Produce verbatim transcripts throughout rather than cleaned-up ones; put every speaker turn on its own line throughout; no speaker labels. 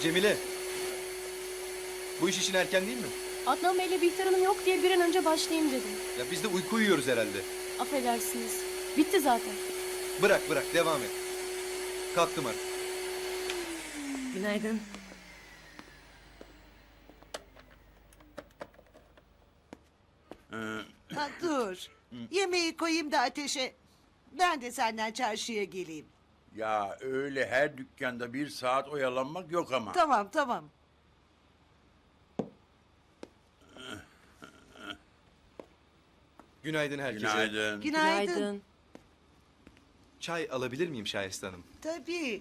Cemile. Bu iş için erken değil mi?
Adnan Bey'le Bihter Hanım yok diye bir an önce başlayayım dedim.
Ya biz de uyku uyuyoruz herhalde.
Affedersiniz. Bitti zaten.
Bırak bırak devam et. Kalktım artık.
Günaydın.
Ha, dur. Yemeği koyayım da ateşe. Ben de senden çarşıya geleyim.
Ya öyle her dükkanda bir saat oyalanmak yok ama.
Tamam tamam.
Günaydın herkese.
Günaydın.
Günaydın.
Çay alabilir miyim Şahiste Hanım?
Tabii.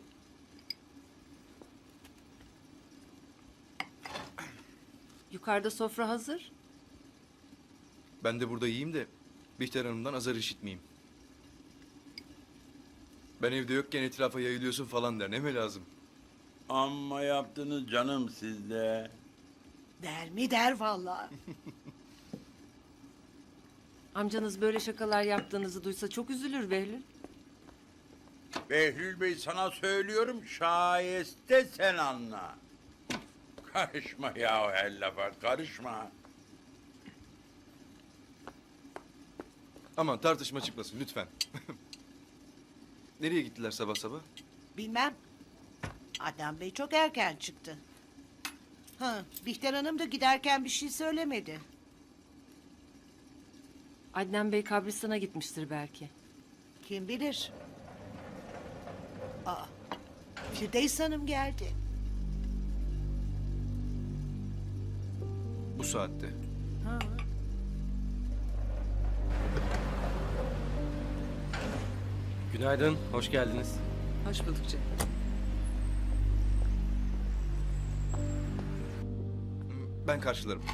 Yukarıda sofra hazır.
Ben de burada yiyeyim de Bihter Hanım'dan azar işitmeyeyim. Ben evde yokken etrafa yayılıyorsun falan der. Ne mi lazım?
Amma yaptınız canım sizde.
Der mi der vallahi.
Amcanız böyle şakalar yaptığınızı duysa çok üzülür Behlül.
Behlül Bey sana söylüyorum şayeste sen anla. Karışma ya her lafa karışma.
Aman tartışma çıkmasın lütfen. Nereye gittiler sabah sabah?
Bilmem. Adnan Bey çok erken çıktı. Ha, Bihter Hanım da giderken bir şey söylemedi.
Adnan Bey kabristana gitmiştir belki.
Kim bilir. Aa, Firdevs Hanım geldi.
Bu saatte.
Ha.
Günaydın, hoş geldiniz.
Hoş bulduk canım.
Ben karşılarım.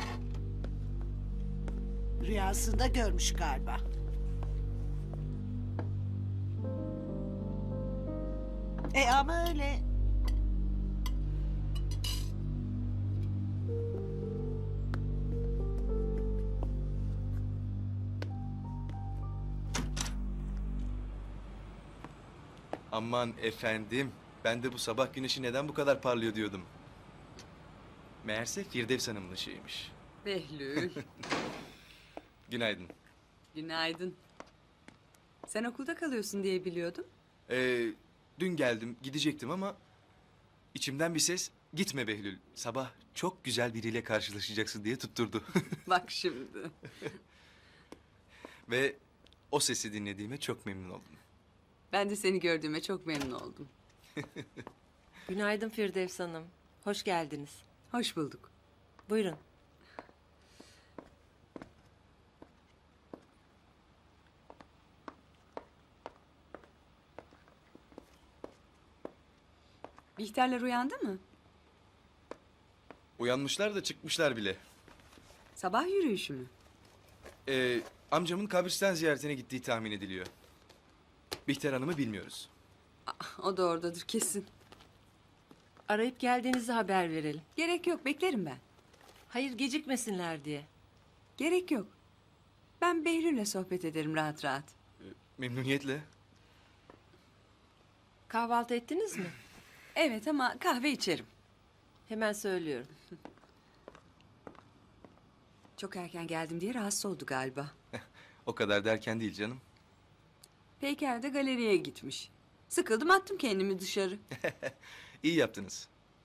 Rüyasında görmüş galiba. E ama öyle.
Aman efendim. Ben de bu sabah güneşi neden bu kadar parlıyor diyordum. Meğerse Firdevs Hanım'ın ışığıymış.
Behlül,
Günaydın.
günaydın. Sen okulda kalıyorsun diye biliyordum.
Ee, dün geldim, gidecektim ama içimden bir ses gitme Behlül. Sabah çok güzel biriyle karşılaşacaksın diye tutturdu.
Bak şimdi.
Ve o sesi dinlediğime çok memnun oldum.
Ben de seni gördüğüme çok memnun oldum.
Günaydın Firdevs Hanım. Hoş geldiniz.
Hoş bulduk.
Buyurun.
Bihterler uyandı mı?
Uyanmışlar da çıkmışlar bile.
Sabah yürüyüşü mü?
Ee, amcamın kabristan ziyaretine gittiği tahmin ediliyor. Bihter Hanım'ı bilmiyoruz.
O da oradadır kesin.
Arayıp geldiğinizi haber verelim.
Gerek yok, beklerim ben.
Hayır gecikmesinler diye.
Gerek yok. Ben Behlül'le sohbet ederim rahat rahat.
Memnuniyetle.
Kahvaltı ettiniz mi?
Evet ama kahve içerim.
Hemen söylüyorum.
Çok erken geldim diye rahatsız oldu galiba.
O kadar derken değil canım.
Peyker de galeriye gitmiş. Sıkıldım attım kendimi dışarı.
İyi yaptınız.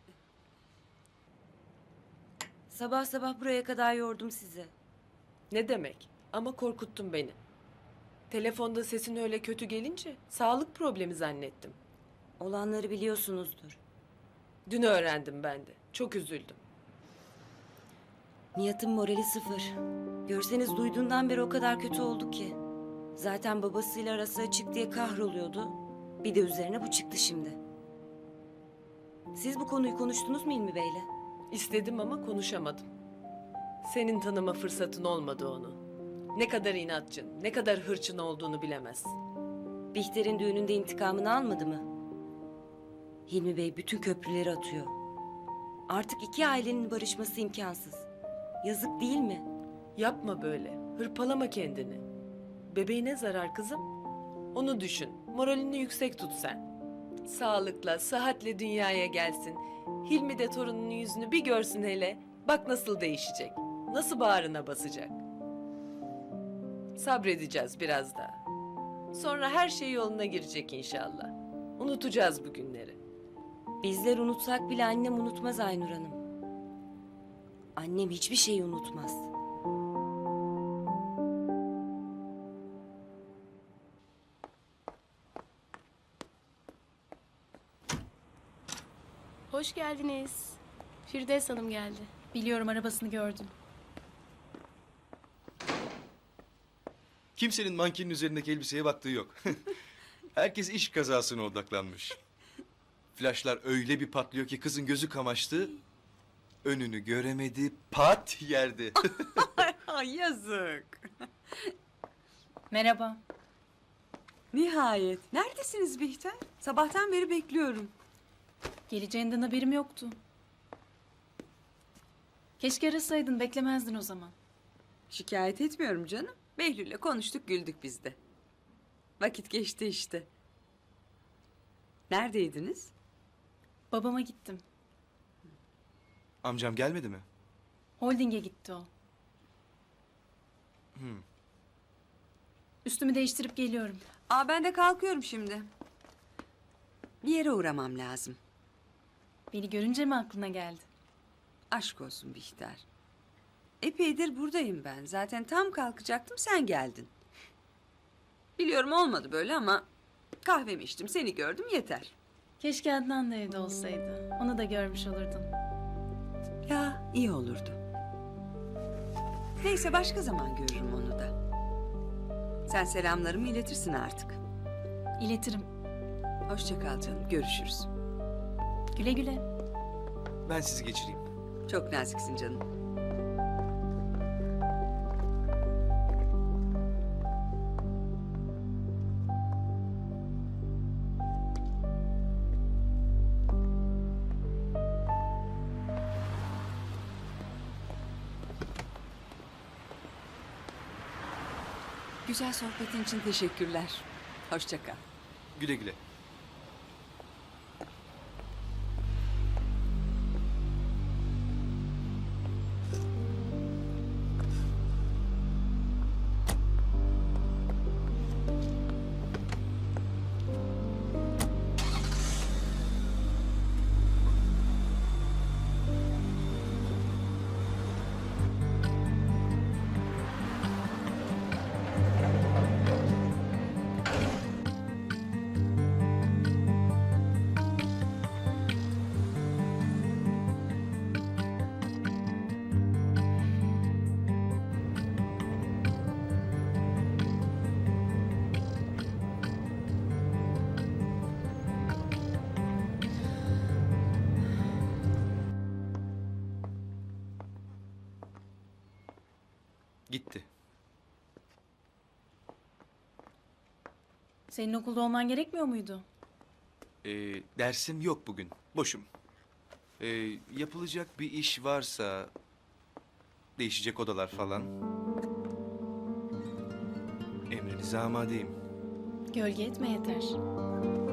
Sabah sabah buraya kadar yordum sizi.
Ne demek? Ama korkuttun beni. Telefonda sesin öyle kötü gelince sağlık problemi zannettim.
Olanları biliyorsunuzdur.
Dün öğrendim ben de. Çok üzüldüm.
Nihat'ın morali sıfır. Görseniz duyduğundan beri o kadar kötü oldu ki. Zaten babasıyla arası açık diye kahroluyordu. Bir de üzerine bu çıktı şimdi. Siz bu konuyu konuştunuz mu İlmi Bey'le?
İstedim ama konuşamadım. Senin tanıma fırsatın olmadı onu. Ne kadar inatçın, ne kadar hırçın olduğunu bilemezsin.
Bihter'in düğününde intikamını almadı mı? Hilmi Bey bütün köprüleri atıyor. Artık iki ailenin barışması imkansız. Yazık değil mi?
Yapma böyle. Hırpalama kendini. Bebeğine zarar kızım. Onu düşün. Moralini yüksek tut sen. sağlıkla, sıhhatle dünyaya gelsin. Hilmi de torununun yüzünü bir görsün hele. Bak nasıl değişecek. Nasıl bağrına basacak. Sabredeceğiz biraz daha. Sonra her şey yoluna girecek inşallah. Unutacağız bu günleri.
Bizler unutsak bile annem unutmaz Aynur Hanım. Annem hiçbir şeyi unutmaz.
Hoş geldiniz. Firdevs Hanım geldi. Biliyorum, arabasını gördüm.
Kimsenin mankenin üzerindeki elbiseye baktığı yok. Herkes iş kazasına odaklanmış. Flaşlar öyle bir patlıyor ki kızın gözü kamaştı. Önünü göremedi, pat yerdi.
Ay yazık.
Merhaba.
Nihayet. Neredesiniz Bihter? Sabahtan beri bekliyorum.
Geleceğinden haberim yoktu. Keşke arasaydın, beklemezdin o zaman.
Şikayet etmiyorum canım. Behlül'le konuştuk, güldük biz de. Vakit geçti işte. Neredeydiniz?
Babama gittim.
Amcam gelmedi mi?
Holding'e gitti o. Üstümü değiştirip geliyorum.
Aa, ben de kalkıyorum şimdi. Bir yere uğramam lazım.
Beni görünce mi aklına geldi?
Aşk olsun Bihter. Epeydir buradayım ben. Zaten tam kalkacaktım, sen geldin. Biliyorum olmadı böyle ama kahvemi içtim, seni gördüm yeter.
Keşke Adnan da evde olsaydı. Onu da görmüş olurdun.
Ya iyi olurdu. Neyse başka zaman görürüm onu da. Sen selamlarımı iletirsin artık.
İletirim.
Hoşça kal canım, görüşürüz.
Güle güle.
Ben sizi geçireyim.
Çok naziksin canım. Güzel sohbetin için teşekkürler. Hoşça kal.
Güle güle. Gitti.
Senin okulda olman gerekmiyor muydu?
Ee, dersim yok bugün. Boşum. Ee, yapılacak bir iş varsa... Değişecek odalar falan. Emrinize amadeyim.
Gölge etme yeter.